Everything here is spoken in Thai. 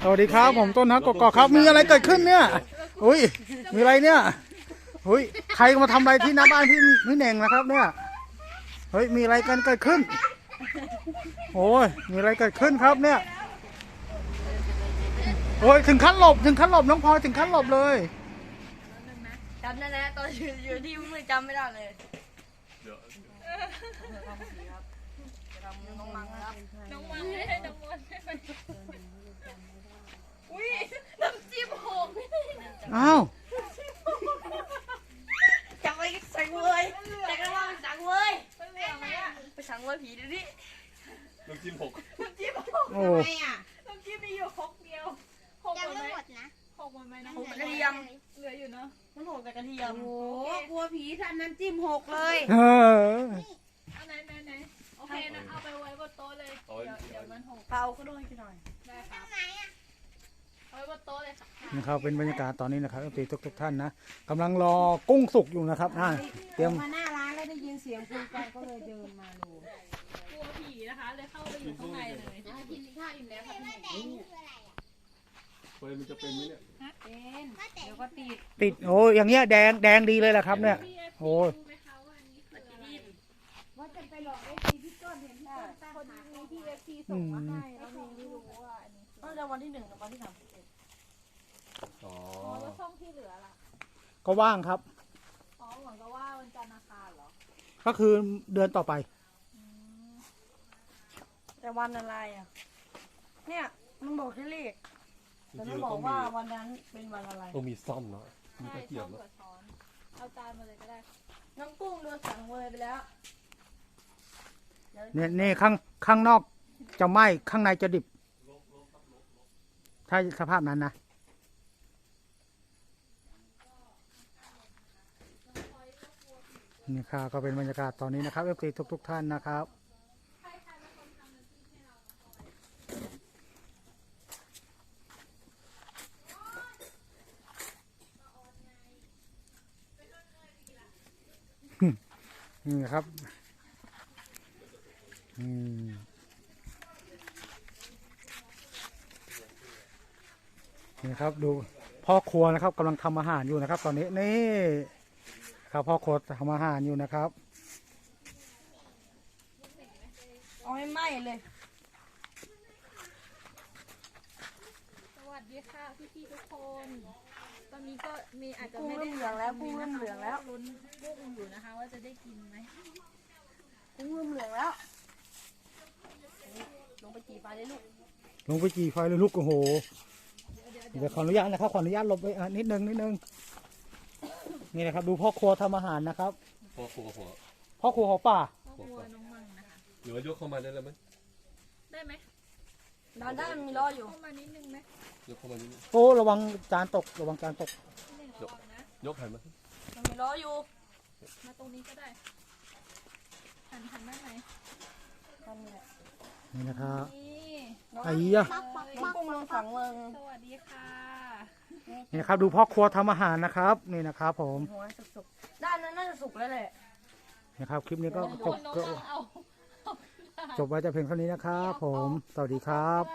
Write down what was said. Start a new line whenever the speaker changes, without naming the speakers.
สวัสดีครับผมต้นฮักกกอกครับมีอะไรเกิดขึ้นเนี่ยอุ้ยมีอะไรเนี่ยอุ้ยใครมาทำอะไรที่หน้าบ้านพี่เน่งนะครับเนี่ยเฮ้ยมีอะไรกันเกิดขึ้นโอ้ยมีอะไรเกิดขึ้นครับเนี่ยโอ้ยถึงขั้นหลบน้องพลอยถึงขั้นหลบเลย
จำได้แล้วตอนอยู่ที่มือจำไม่ได้เลยน้องมังครับน้องมังไม่ใช่น้องมนอุ้ยน้ำจิ้มหก
อ้าว
จับไปสั่งเลยแต่ก็ว่าไปสั่งเลยไปสั่งเลยผีดูดิ
น้ำจิ้มหก
โอ้
น้ำจิ้มมีอยู่ครกเดียวหกหมดนะหกหมดไหมนะ
หกกระเทียม
เหลืออยู่เนาะ
มันหกแต่กระเทียม
โอ้กลัวผีทำน้ำจิ้มหกเลย
เอาไหนโอเคนะเอาไปไว้บนโต๊ะเลยเดี๋ยวมันหก
เปาก็ด้วยหน่อย
ได้ครับเอาไว้บนโต๊ะเลยค่ะ
นะครับเป็นบรรยากาศตอนนี้นะครับทุกท่านนะกำลังรอกุ้งสุกอยู่นะครับเตรียม
มาหน้าร้านแล้วได้ยินเสียงคุยกันก็เลยเดินมาดู
กลัวผีนะคะเลยเข้าไปอยู่ข้างในเลยกินข้าวอิ่มแล้วค่ะพี่
เฟยมันจะเป็นไหมเนี่ย
เป็นเดี๋ยวก็
ติดโอ้อย่างเงี้ยแดงดีเลยแหละครับเนี่ยโอ้ย
ว่าจะไปหลอกได้ทีพี่ต้นเห็นต้นตั้งหาคนที่เอฟซีส่งมาให้แล้วไม่รู้ว่าอันนี้
ตั้งแต่วันที่1 ถึงวันที่ 31
อ๋อ
แล้วช่องที่เหลือล่ะ
ก็ว่างครับ
อ๋อเหมือนกับว่าวันจันทร์อังคารเหรอ
ก็คือเดือนต่อไป
แต่วันอะไรอ่ะเนี่ยมันบอกแค่เลขแต่ไม่บอกว่าวันนั้นเป็นวันอะไร
ต้องมีซ่อมเนาะมี
ใช่
ตะเกีย
ช่
บ
อง
เนาะ
กับช้อนเอาจานมาเลยก็ได้
น้องกุ้งโดนสั่งเวยไปแล้ว
เนี่ยข้างนอกจะไหม้ข้างในจะดิบถ้าสภาพนั้นนะนี่ค่ะก็เป็นบรรยากาศตอนนี้นะครับเอฟซีทุกท่านนะครับนี่ครับนี่ครับดูพ่อครัวนะครับกำลังทำอาหารอยู่นะครับ ตอนนี้นี่ครับพ่อครัวทำอาหารอยู่นะครับ
เอาให้ไหม้เลย
สวัสดีค่ะพี่ทุกคนตอนนี้ก็มีอาจจะ
กุ้ง
ไม่
เริ่
ได้
มเหลืองแล้วกุ้งเริ่มเหลืองแล้ว
ลุ้นกุ้งอยู่นะคะว่าจะได้กินไหม
กุ้งเริ่มเหลืองแล้วลงไปจีไฟเลยลูก
ลงไปจีไฟเลยลูกโอ้โหเดี๋ยวขออนุญาตนะครับขออนุญาตหลบไปนิดนึงนี่นะครับดูพ่อครัวทำอาหารนะครับ
พอหัว
พ่อครัวของป่า
ครอบครัวน้องมังนะคะ
หรือว่ายกเข้ามาได้แล้วไหม
ได้ไหม
ได้มันมีล้ออยู่
เข้ามานิดนึงไหม
ยกเข้ามานิดนึง
โอ้ระวังจานตก
พี่หนึ่งระวังนะ
ยกหันมา
มันมีล้ออยู่
มาตรงนี้ก็ได้หันด้านไหน
มันมีแหละ
นี่นะครับ
นี่
ไอ้ยะ
น้องกุ้งโดนสั่งเมือง
สวัสดีค่ะ
นี่นะครับดูพ่อครัวทำอาหารนะครับนี่นะครับผม
หัวสุกๆด้านนั้นน่าจะสุกแล้วแหละ
นะครับคลิปนี้ก็
น้องมังเอา
จบไว้แต่เพียงเท่านี้นะครับผมสวัสดีครับ